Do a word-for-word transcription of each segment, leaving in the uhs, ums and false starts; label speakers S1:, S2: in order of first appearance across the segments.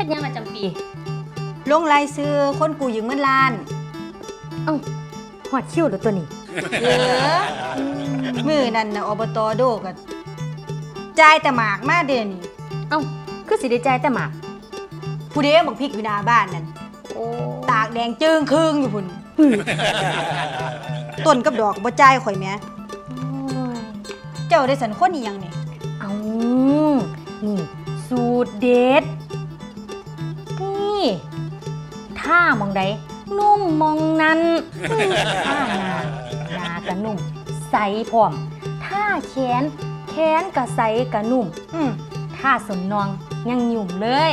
S1: ดยังมาจำปี
S2: ลงรายซื้อคนกูยืมเงินล้าน
S1: เอ้าหอดคิ้วหรือตัวนี้
S2: เออมือนั่นนะอบตโดก็จ่ายแต่หมากมาเดือนนี้
S1: เอ้าคือสิได้จ่ายแต่หมาก
S2: ผู้เด้บักพริกอยู่หน้าบ้านนั่นโอ้ตากแดงจึงครึ่งอยู่พุ่นต้นกับดอกบ่จ่ายข่อยแหมเจ้าได้สันคนอีหยังนี่
S1: เอ้านี่สูตรเด็ดนี่ถ้ามองใดนุ่มมองนั้นถ้าหน้าหน้าก็นุ่มใสพร้อมถ้าแขนแขนก็ใสก็นุ่มถ้าสนนองยังหยุ่มเลย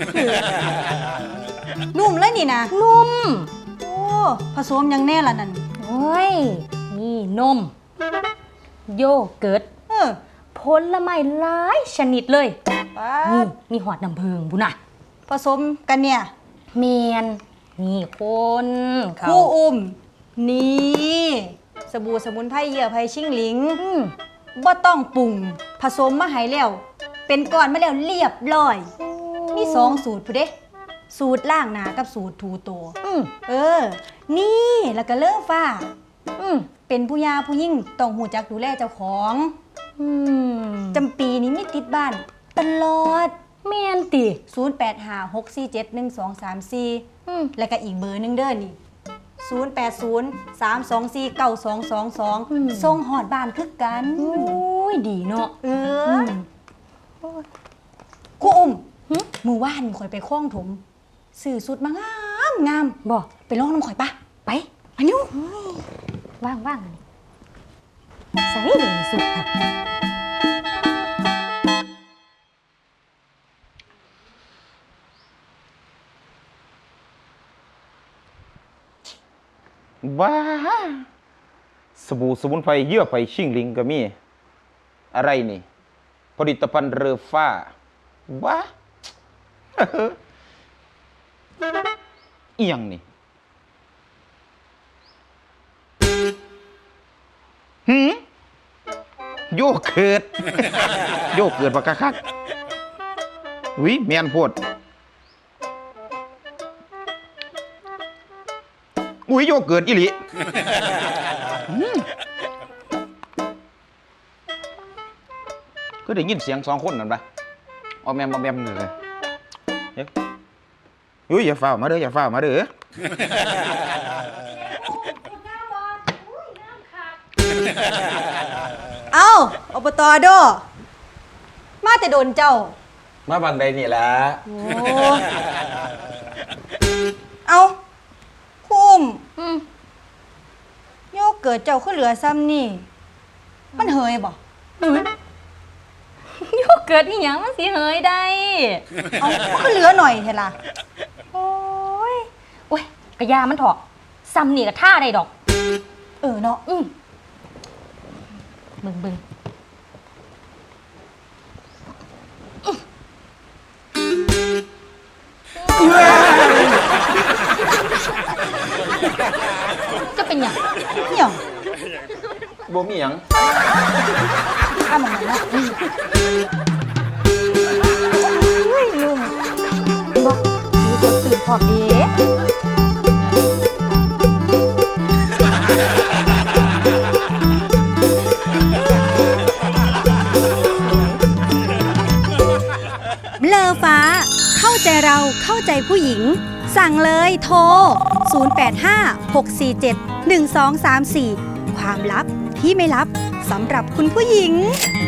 S2: นุ่มเลยนี่นะ
S1: นุ่ม
S2: โอ้ผสมยังแน่ละนั่น
S1: โอ้ยนี่นมโยเกิร์ตผลไม้หลายชนิดเลยนี่มีหอดน้ำผึ้งบุน่ะ
S2: ผสมกันเนี่ย
S1: เมียนนี่คน
S2: คู่อุ้มนี่สบู่สมุนไพรเหยื่อไผ่ชิงหลิงบ่ต้องปรุงผสมมาให้แล้วเป็นก้อนมาแล้วเรียบร้อยมีสองสูตรผู้เด้สูตรล่างหนากับสูตรทูโตเออนี่แล้วก็เลิกฟ้าเป็นผู้ยาผู้ยิ่งต้องหูจักดูแลเจ้าของจำปีนี้มีติดบ้านตลอด
S1: แม่นติ
S2: ศูนย์ แปด ห้า หก สี่ เจ็ด หนึ่ง สอง สาม สี่แล้วก็อีกเบอร์นึงเด้อนี่ศูนย์ แปด ศูนย์ สาม สอง สี่ เก้า สอง สอง สองส่งหอดบ้านคือกัน
S1: โอ้ยดีเนาะ
S2: เออครูอุ้มมือว่านข่อยไปคล้องถมสื่อสุดมางามงาม
S1: บ่
S2: ไปลองน้ำข่อยปะไปอันนี้
S1: ว่างว่างใส่เลยสุดค่ะ
S3: ว้าสบู่สมุนไพรเยื่อไผ่ชิ่งลิงก็มีอะไรนี่ผลิตภัณฑ์เรือฟ้าว้าอีหยังนี่หืมโยเกิร์ตโยเกิร์ตปากคักวิแมนโพดอุ้ยโยเกิร์ตอีหลีก็ได้ยินเสียงสองคนนั่นปะเอาแมมเอาแมมเลยเฮ้ยอุ้ยอย่าฝ่ามาเด้ออย่าฝ่ามาเด้อ
S2: เอ้าอบตโดมาแต่โดนเจ้า
S3: มาบางใดนี่ละ
S2: โอ้เอาคุ้มโยเกิดเจ้าขึ้นเหลือซ้ำนี่มันเหยบ่
S1: โยเกิดอีหยังมันสิเหยได้
S2: เอาขึ้นเหลือหน่อยเถอะล่ะ
S1: โอ้ยโอ้ยกระยามันเถาะซ้ำนี่ก็ท่าได้ดอก
S2: เออเนาะ
S1: อืมบึงบึงจะเป็นหยัง
S2: หยัง
S3: บ่มีหยัง
S2: ข้ามันนะเฮ้ยลุง
S1: บอกมีคนตื่นพร้อมดี
S2: เลอฟ้าเข้าใจเราเข้าใจผู้หญิงสั่งเลยโทรศูนย์ แปด ห้า หก สี่ เจ็ด หนึ่ง สอง สาม สี่ความลับที่ไม่ลับสำหรับคุณผู้หญิง